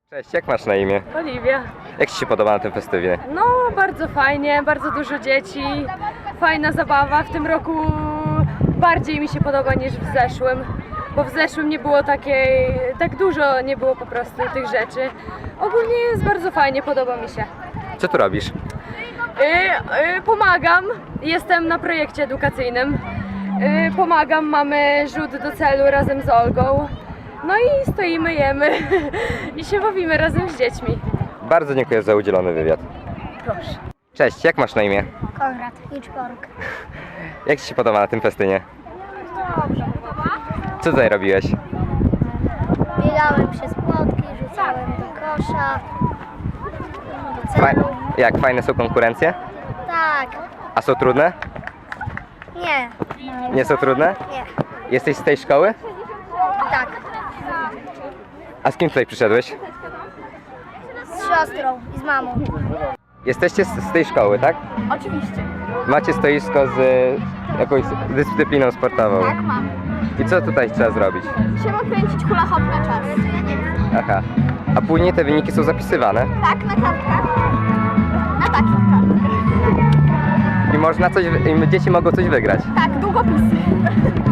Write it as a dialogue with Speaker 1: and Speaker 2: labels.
Speaker 1: Cześć, jak masz na imię?
Speaker 2: Oliwia.
Speaker 1: Jak Ci się podoba na tym festywie?
Speaker 2: No, bardzo fajnie, bardzo dużo dzieci, fajna zabawa. W tym roku bardziej mi się podoba niż w zeszłym, bo w zeszłym nie było tak dużo nie było po prostu tych rzeczy. Ogólnie jest bardzo fajnie, podoba mi się.
Speaker 1: Co tu robisz?
Speaker 2: Pomagam, jestem na projekcie edukacyjnym. Pomagam, mamy rzut do celu razem z Olgą. No i stoimy, jemy i się bawimy razem z dziećmi.
Speaker 1: Bardzo dziękuję za udzielony wywiad.
Speaker 2: Proszę.
Speaker 1: Cześć, jak masz na imię?
Speaker 3: Konrad Hitchborg.
Speaker 1: Jak Ci się podoba na tym festynie?
Speaker 3: Dobrze.
Speaker 1: Co tutaj robiłeś?
Speaker 3: Biegałem przez płotki, rzucałem do kosza, do celu.
Speaker 1: Jak, fajne są konkurencje?
Speaker 3: Tak.
Speaker 1: A są trudne?
Speaker 3: Nie.
Speaker 1: Nie są trudne?
Speaker 3: Nie.
Speaker 1: Jesteś z tej szkoły?
Speaker 3: Tak.
Speaker 1: A z kim tutaj przyszedłeś?
Speaker 3: Z siostrą i z mamą.
Speaker 1: Jesteście z tej szkoły, tak?
Speaker 2: Oczywiście.
Speaker 1: Macie stoisko z jakąś dyscypliną sportową.
Speaker 2: Tak, mam.
Speaker 1: I co tutaj trzeba zrobić?
Speaker 2: Trzeba kręcić hula hop na czas.
Speaker 1: Aha. A później te wyniki są zapisywane?
Speaker 2: Tak, na kartkach. Na takich kartkach.
Speaker 1: I można coś, i dzieci mogą coś wygrać.
Speaker 2: Tak, długopisy.